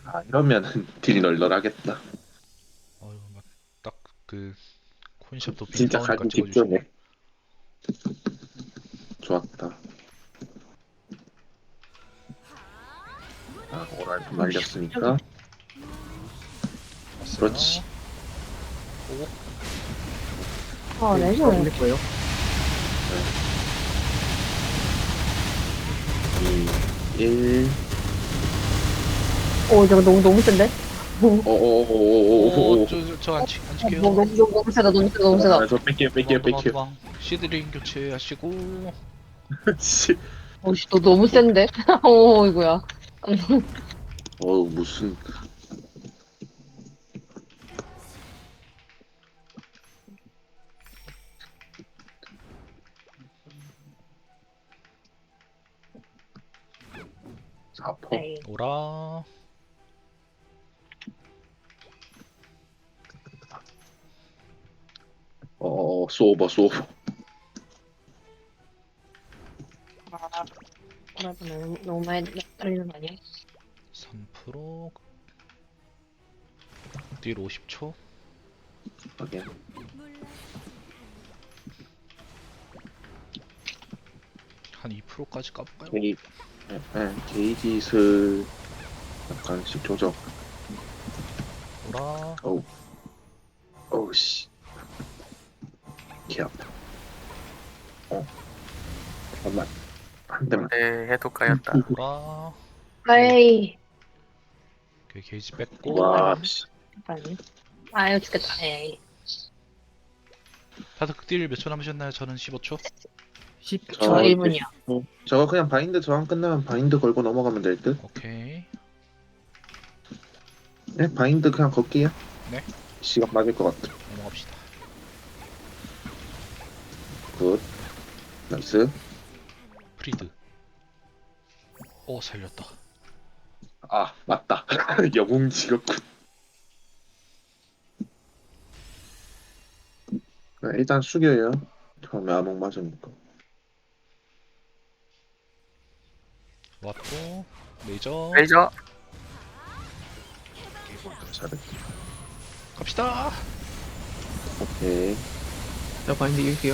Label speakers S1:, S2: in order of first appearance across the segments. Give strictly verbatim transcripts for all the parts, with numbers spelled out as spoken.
S1: 아, 이러면은 딜이 널널하겠다.
S2: 어휴, 막딱 그 코인샵 도핑
S1: 진짜
S2: 나오니까
S1: 가기
S2: 찍어주시네.
S1: 직전에. 좋았다. 아, 오랄 좀
S3: 오씨,
S1: 날렸으니까. 그렇지.
S2: 왔어요. 오,
S3: 아,
S4: 네,
S3: 레전드.
S4: 올릴 거예요.
S1: 이, 일.
S3: 오, 저거 너무, 너무 센데? 오,
S1: 오오오오오오오.
S2: 오, 저저안 치, 안 칠게요.
S3: 너무, 너무, 너무 세다, 너무 세다, 너무 세다.
S1: 아, 저 뺄게요, 뺄게요,
S2: 도망 도망
S1: 뺄게요.
S2: 도망. 시드링 교체하시고.
S1: 씨.
S3: 오씨, 너 너무 센데? 오, 이거야.
S1: 어우, 무슨. 사퍼.
S3: 에이.
S2: 오라.
S1: 어, 쏘오버, 쏘오버.
S3: 아, 뭐라도 너무, 너무 많이 떨리는 거 아니야?
S2: 삼 퍼센트. 딜 오십 초.
S1: 확인.
S2: 한 이 퍼센트까지 까볼까요?
S1: 게이, 예, 예, 게이지슬 약간씩 조정.
S2: 오라.
S1: 어우, 어우, 씨. 개 아파. 어, 잠깐만. 한 대만.
S4: 네, 해도 까였다.
S2: 오라.
S3: 에이.
S2: 오케이, 게이지 뺐고.
S1: 와, 씨.
S3: 빨리. 아유, 죽겠다. 에이.
S2: 다들 딜 몇 초 남으셨나요? 저는 십오 초.
S4: 십
S3: 저
S1: 저
S3: 일 분이야.
S1: 어, 저거 그냥 바인드 저항 끝나면 바인드 걸고 넘어가면 될 듯?
S2: 오케이.
S1: 네, 바인드 그냥 걸게요.
S2: 네.
S1: 시간 맞을 것 같아.
S2: 넘어갑시다.
S1: 굿. 나이스.
S2: 프리드. 오, 살렸다.
S1: 아, 맞다. 영웅 직업군. 네, 일단 숙여요. 처음에 암흑 맞으니까.
S2: 왔고. 레이저.
S4: 레이저.
S1: 잘해.
S2: 갑시다.
S1: 오케이.
S4: 자, 바인드 읽게요.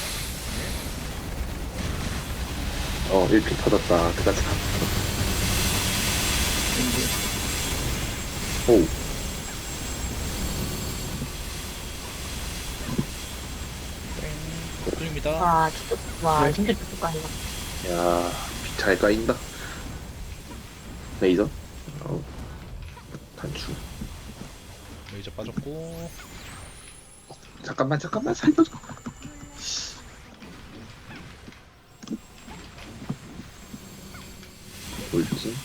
S1: 어, 일 피 터졌다. 그다지 가. 오,
S2: 땡. 뚫립니다.
S3: 와, 진짜, 와,
S4: 네.
S3: 진짜 죽을 거 아니야.
S1: 야, 피 잘 까인다. 레이저. 어, 단추.
S2: 레이저 빠졌고.
S1: 잠깐만, 잠깐만, 살려줘. 뭘지?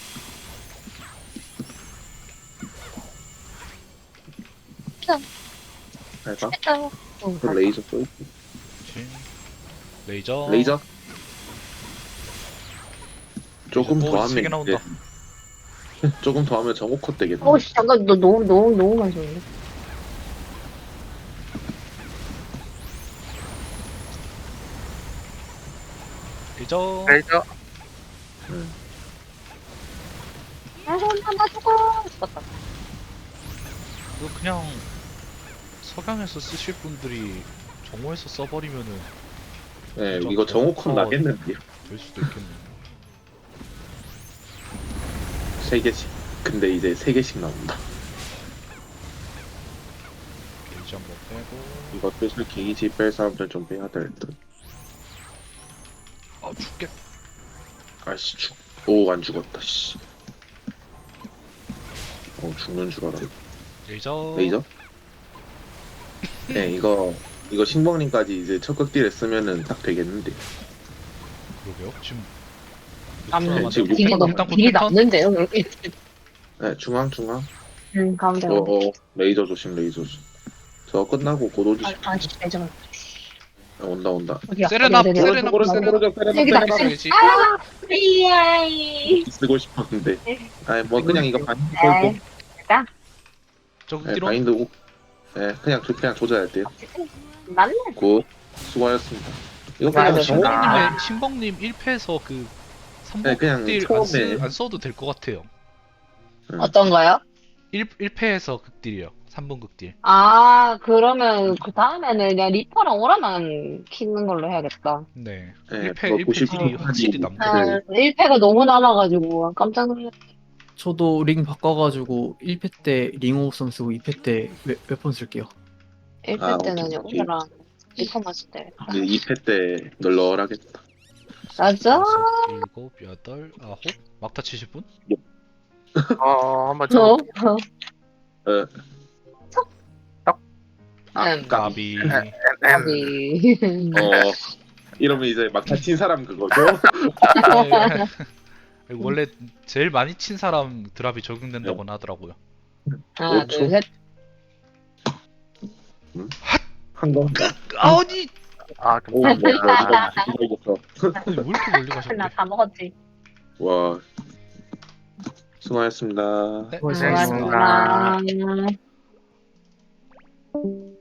S1: 할까?
S3: 됐다. 어,
S1: 그 레이저 쏠.
S2: 진. 레이저.
S1: 레이저. 조금
S2: 오,
S1: 더
S2: 세개
S1: 하면
S2: 나온다.
S1: 이제 조금 더 하면 정오컷 되겠네.
S3: 어, 씨, 잠깐, 너 너무, 너무, 너무 많이 쏘는데?
S2: 레이저.
S4: 레이저.
S3: 아, 나 죽어. 죽었다.
S2: 이거 그냥 석양에서 쓰실 분들이 정오에서 써버리면은
S1: 네,
S2: 좀
S1: 이거 정오컷
S2: 더-
S1: 나겠는데요.
S2: 될 수도 있겠네.
S1: 세 개씩. 근데 이제 세 개씩 나온다.
S2: 게이지 한번 빼고.
S1: 이거 슬슬 게이지 뺄 사람들 좀 빼야 될 듯.
S2: 아, 죽겠.
S1: 아씨 죽. 오, 안 죽었다. 씨. 어, 죽는 줄 알아.
S2: 레이저.
S1: 레이저? 네, 이거 이거 신봉님까지 이제 첫극딜 쓰면은 딱 되겠는데.
S2: 그러게요. 지금
S3: 남는,
S1: 네, 지금
S3: 길이
S2: 패턴,
S3: 남,
S2: 일단 곧
S3: 길이
S2: 패턴?
S3: 남는데요, 이렇게.
S1: 네, 중앙 중앙.
S3: 응, 가운데.
S1: 어, 어, 레이저 조심, 레이저 조심. 저 끝나고 곧 오지.
S3: 아, 아, 진짜, 레전드.
S1: 온다, 온다.
S3: 어디야?
S2: 세레나,
S3: 어디야, 어디야?
S2: 세레나,
S1: 오른쪽,
S2: 세레나.
S1: 오른쪽, 세레나,
S3: 여기다.
S1: 세레나.
S2: 써야지.
S3: 아, 이야이.
S1: 쓰고 싶었는데. 아니 뭐 그냥 이거 바인드
S3: 에이,
S1: 걸고.
S3: 됐다.
S2: 저거
S1: 네,
S2: 뒤로.
S1: 바인드 오. 네, 그냥 조, 그냥 조져야 돼요.
S3: 맞네.
S1: 굿. 수고하셨습니다. 이거
S3: 맞아,
S1: 그냥 정오.
S3: 맞아.
S2: 신봉님의 신봉님 일 패에서 그
S1: 네, 그냥
S2: 삼복딜 안,
S1: 처음에.
S2: 쓰, 안 써도 될 것 같아요.
S1: 응.
S3: 어떤 거요?
S2: 일, 일 패에서 극딜이요. 삼 분 극딜.
S3: 아, 그러면 그 다음에는 그냥 리퍼랑 오라만 키는 걸로 해야겠다.
S2: 네.
S1: 네,
S2: 일 패,
S1: 그거
S2: 일 패 딜이
S1: 구십구
S2: 확실히
S1: 까지.
S2: 남거든요.
S3: 아, 일 패가 너무 남아가지고 깜짝 놀랐
S4: 저도 링 바꿔가지고 일 패 때 링오우선 쓰고 이 패 때 웨폰 쓸게요.
S3: 일 패
S1: 아,
S3: 때는
S1: 오케이,
S3: 그냥
S1: 오케이.
S3: 오라랑 리퍼만 쓸 때.
S1: 이제 이 패 때 널널하겠다.
S3: 맞아?
S2: 여섯, 일곱, 여덟, 아홉? 막타 칠십 분?
S4: 어, 한번
S3: 어?
S4: 쳐볼게요.
S1: 어. 아,
S3: 음.
S1: 까비.
S2: 까비.
S3: 까비.
S1: 어, 이러면 이제 막타 친 사람 그거죠?
S2: 네. 원래 제일 많이 친 사람 드랍이 적용된다고 하더라고요.
S3: 하나,
S1: 오 초?
S3: 둘, 셋.
S1: 한 건가?
S2: 아니!
S4: 아,
S1: 오,
S4: 좀.
S1: 뭐, 뭐,
S4: 아,
S1: 이거, 이거, 이거.
S2: 아니, 왜 이렇게 멀리 가셨대?
S3: 나 다 먹었지.
S1: 와, 수고하셨습니다.
S2: 네,
S4: 고생하셨습니다.
S3: 고맙습니다.